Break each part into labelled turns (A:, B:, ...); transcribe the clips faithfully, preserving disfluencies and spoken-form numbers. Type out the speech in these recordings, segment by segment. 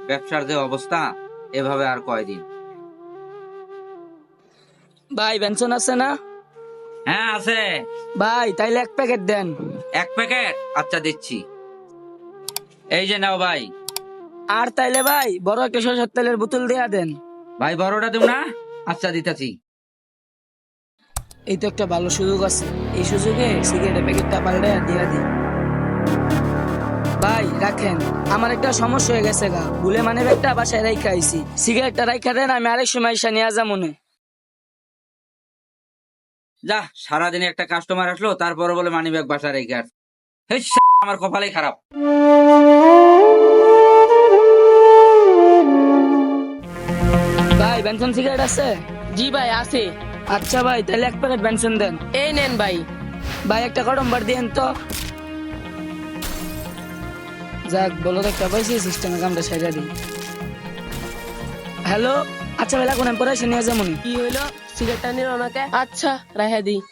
A: ব্যবসার যে অবস্থা, এভাবে আর কয়দিন।
B: ভাই বেনসন আছে না?
A: হ্যাঁ আছে।
B: ভাই তাইলে এক প্যাকেট দেন।
A: এক প্যাকেট? আচ্ছা দিচ্ছি, এই যে নাও ভাই।
B: আর তাইলে ভাই বড় একটা সরষের তেলের বোতল দেয়া দেন।
A: ভাই বড়টা দেব না? আচ্ছা দিতেছি।
B: এই তো একটা ভালো সুযোগ আছে, এই সুযোগে সিগারেটের প্যাকেটটা পাল্টে দিয়া দিই। ভাই রাখেন, আমার একটা সমস্যা হয়ে গেছে গা, ভুলে মানে একটা বাসায় রাইখা আইছি। সিগারেটটা রাইখা দেন, আমি আরেক সময় এসে নিয়ে যা মনে।
A: যা, সারাদিনে একটা কাস্টমার আসলো, তারপরে বলে মানি ব্যাগ বাসা রেখে আস। হেই, আমার কপালেই খারাপ।
B: ভাই বেনসন সিগারেট আছে?
C: জি ভাই আছে।
B: আচ্ছা ভাই তাহলে এক প্যাকেট বেনসন দেন।
C: এই নেন ভাই।
B: ভাই একটা কটম বার দিয়েন তো। যাক বলো তো একটা পাইছি, সিস্টেমে কামটা সাইডা দিই। হ্যালো, আচ্ছা ভাই লাগুন, আমি পরে এসে নিয়ে যাবো।
C: কি হইলো? সিগারেটটা নিল ওনাকে? আচ্ছা রাইহা দি।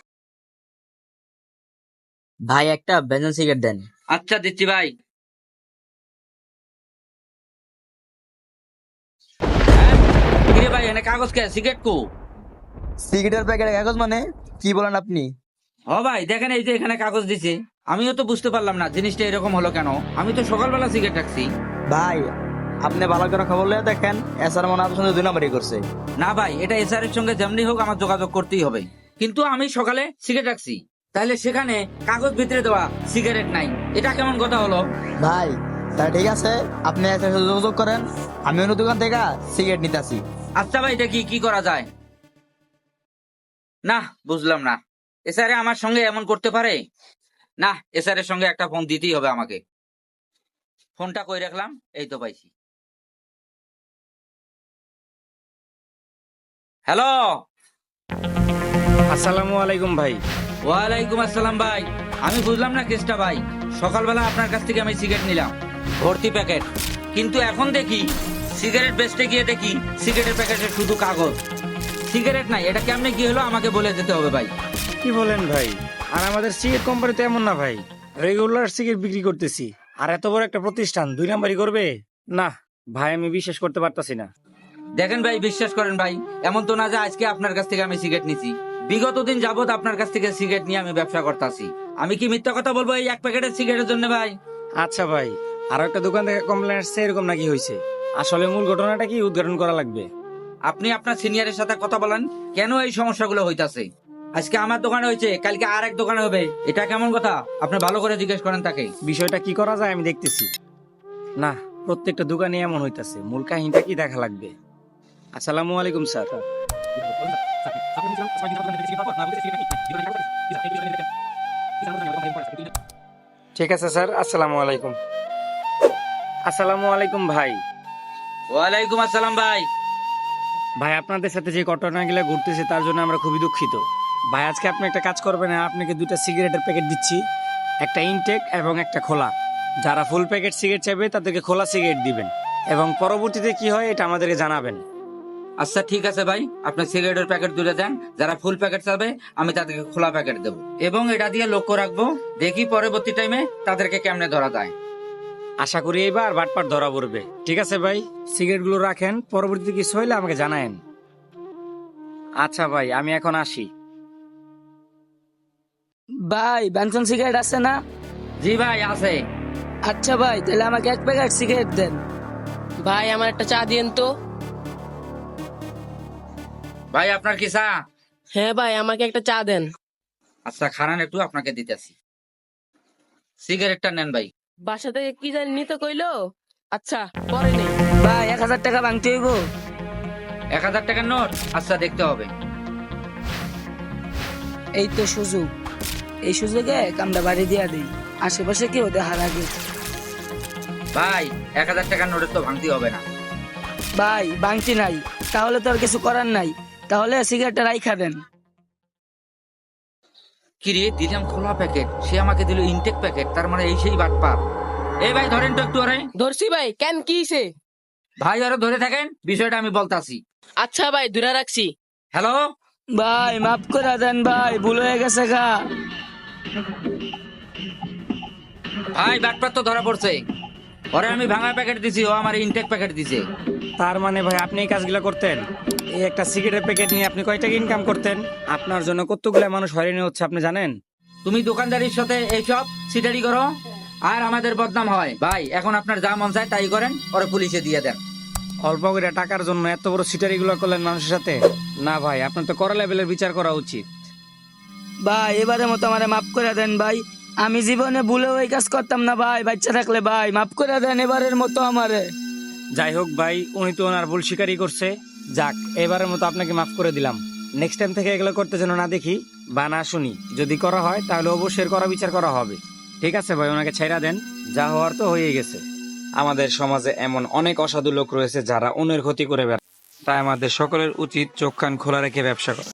D: ভাই একটা বেনজন সিগারেট দেন।
A: আচ্ছা দিচ্ছি ভাই। হ্যাঁ? কিরে ভাই, এনে কাগজ কে? সিগারেট কো?
D: সিগারেটের প্যাকেটে কাগজ মানে কি বলেন আপনি?
A: হ ভাই দেখেন, এই যে এখানে কাগজ দিছে। আমিও তো বুঝতে পারলাম না জিনিসটা এরকম হলো কেন। আমি তো সকালবেলা সিগারেট রাখছি।
D: ভাই আপনি ভালো করে খবর লিয়ে দেখেন, এসার মনে আপনার সঙ্গে দুই নাম্বারই করছে।
A: না ভাই, এটা এসআর এর সঙ্গে যেমনি হোক আমার যোগাযোগ করতেই হবে। কিন্তু আমি সকালে সিগারেট রাখছি, তাহলে সেখানে কাগজ ভিতরে দেওয়া সিগারেট নাই, এটা কেমন কথা হলো?
D: ভাই তা ঠিক আছে, আপনি এসার সাথে যোগাযোগ করেন, আমি অন্য দোকান থেকে সিগারেট নিতে আসি।
A: আচ্ছা ভাই, এটা কি কি করা যায়? না বুঝলাম না, এসআর আমার সঙ্গে এমন করতে পারে? না, এসআর এর সঙ্গে একটা ফোন দিতেই হবে আমাকে। ফোনটা কই রাখলাম, এই তো পাইছি। হ্যালো।
E: আসসালামু আলাইকুম ভাই।
A: ওয়ালাইকুম আসসালাম ভাই। আমি বুঝলাম না কেসটা ভাই। সকালবেলা আপনার কাছ থেকে আমি সিগারেট নিলাম, ভর্তি প্যাকেট, কিন্তু এখন দেখি সিগারেট বেচতে গিয়ে দেখি সিগারেটের প্যাকেটে শুধু কাগজ, সিগারেট নাই। এটা কেমনে কি হলো আমাকে বলে যেতে হবে ভাই।
E: কি বলেন ভাই? আর আমাদের সিগারেট কোম্পানি তো এমন না ভাই, রেগুলার সিগারেট বিক্রি করতেছি। আর এত বড় একটা প্রতিষ্ঠান দুই নাম্বারই করবে? না ভাই, আমি বিশ্বাস করতে পারতাছি না।
A: দেখেন ভাই, বিশ্বাস করেন ভাই, এমন তো না যে আজকে আপনার কাছ থেকে আমি সিগারেট নিছি। বিগত দিন যাবত আপনার কাছ থেকে সিগারেট নিয়ে আমি ব্যবসা করতেছি। আমি কি মিথ্যা কথা বলবো এই এক প্যাকেটের সিগারেটের জন্য ভাই?
E: আচ্ছা ভাই, আর একটা দোকান থেকে কমপ্লেন আসছে, এরকম নাকি হয়েছে? আসলে মূল ঘটনাটা কি উদ্ঘাটন করা লাগবে।
A: আপনি আপনার সিনিয়রের সাথে কথা বলেন, কেন এই সমস্যাগুলো হইতাছে। আজকে আমার দোকানে হয়েছে, কালকে আর এক দোকানে হবে, এটা কেমন কথা? আপনি ভালো করে জিজ্ঞেস করেন তাকে।
E: বিষয়টা কি করা যায় আমি দেখতেছি। না, প্রত্যেকটা দোকানে এমন হইতাছে, মূল কাহিনীটা কি দেখা লাগবে। আসসালামু আলাইকুম স্যার। ঠিক আছে স্যার, আসসালামু আলাইকুম। আসসালামু আলাইকুম ভাই।
A: ওয়ালাইকুম আসসালাম ভাই।
E: ভাই আপনাদের সাথে যে ঘটনাগুলো ঘুরতেছে তার জন্য আমরা খুবই দুঃখিত। ভাই আজকে আপনি একটা কাজ করবেন, আপনাকে দুটা সিগারেটের প্যাকেট দিচ্ছি, একটা ইনটেক এবং একটা খোলা। যারা ফুল প্যাকেট সিগারেট চাইবে তাদেরকে খোলা সিগারেট দিবেন, এবং পরবর্তীতে কি হয় এটা আমাদেরকে জানাবেন।
A: আচ্ছা ঠিক আছে ভাই, আপনার সিগারেটের প্যাকেট দুটো দেন। যারা ফুল প্যাকেট চাবে আমি তাদেরকে খোলা প্যাকেট দেবো, এবং এটা দিয়ে লক্ষ্য রাখবো, দেখি পরবর্তী টাইমে তাদেরকে কেমনে ধরা যায়।
E: আশা করি এইবার বাটপাট ধরা পড়বে। ঠিক আছে ভাই, সিগারেটগুলো রাখেন, পরবর্তীতে কিছু হইলে আমাকে জানায়েন। আচ্ছা ভাই, আমি এখন আসি।
B: ভাই বেনসন সিগারেট আছে না?
A: জি ভাই আছে।
B: আচ্ছা ভাই তাহলে আমাকে এক প্যাকেট সিগারেট দেন।
C: ভাই আমার একটা চা দিয়েন তো।
A: ভাই আপনার কি চা?
C: হ্যাঁ ভাই, আমাকে একটা চা দেন।
A: আচ্ছা খারান, একটু আপনাকে দিতেছি। সিগারেটটা নেন ভাই।
C: বাসা থেকে কি জানি নিতে কইলো। আচ্ছা পরে নেই।
B: ভাই এক হাজার টাকা ভাঙতে হইব।
A: এক হাজার টাকার নোট? আচ্ছা দেখতে হবে।
B: এই তো সুযোগ, এই সুযোগে কামটা বাড়ি দিয়া দিই, আশেপাশে কেউ দেখার আগে।
A: ভাই এক হাজার টাকার নোটের তো ভাঙতে হবে না।
B: ভাই ভাঙতি নাই, তাহলে তো আর কিছু করার নাই, তাহলে সিগারেটটা রাইখা দেন।
A: কিরে, দিলাম খোলা প্যাকেট, সে আমাকে দিল ইনটেক প্যাকেট, তার মানে এই সেই বাটপার। এই ভাই ধরেন তো একটু আরে।
C: ধরছি ভাই, কেন কি হইছে?
A: ভাই আরো ধরে থাকেন, বিষয়টা আমি বলতাছি।
C: আচ্ছা ভাই দূরে রাখছি।
A: হ্যালো
B: ভাই মাফ করে দেন ভাই, ভুল হয়ে গেছে গা।
A: ভাই, বাটপার তো ধরা পড়ছে। ওরে আমি ভাঙা প্যাকেট দিছি, ও আমার ইনটেক প্যাকেট দিছে।
E: তার মানে ভাই আপনি এই কাজগুলো করতেন? এই একটা সিগারেটের প্যাকেট নিয়ে আপনি কয় টাকা ইনকাম করতেন? আপনার জন্য কতগুলো মানুষ হয়রানি হচ্ছে আপনি জানেন?
A: তুমি দোকানদারির সাথে এইসব সিটারি করো আর আমাদের বদনাম হয়। ভাই এখন আপনার যা মন চায় তাই করেন, ওরে পুলিশে দিয়ে দেন।
E: অল্প করে টাকার জন্য এত বড় সিটারি গুলো করলেন মানুষের সাথে? না ভাই, আপনার তো কড়া লেভেলের বিচার করা উচিত।
B: ভাই এবারের মতো আমারে মাফ করে দেন ভাই, আমি জীবনে ভুলেও এই কাজ করতাম না ভাই, বাচ্চা থাকলে ভাই মাফ করে দেন এবারের মতো আমারে।
E: যাই হোক ভাই, উনি তো ওনার ভুল স্বীকারই করছে। যাক, এবারের মতো আপনাকে মাফ করে দিলাম। নেক্সট টাইম থেকে এগুলো করতে যেন না দেখি বা না শুনি। যদি করা হয় তাহলে অবশ্যই করা বিচার করা হবে। ঠিক আছে ভাই, ওনাকে ছেড়া দেন, যা হওয়ার তো হয়ে গেছে। আমাদের সমাজে এমন অনেক অসাধু লোক রয়েছে যারা অন্যের ক্ষতি করে বেড়ায়, তাই আমাদের সকলের উচিত চোখ কান খোলা রেখে ব্যবসা করা।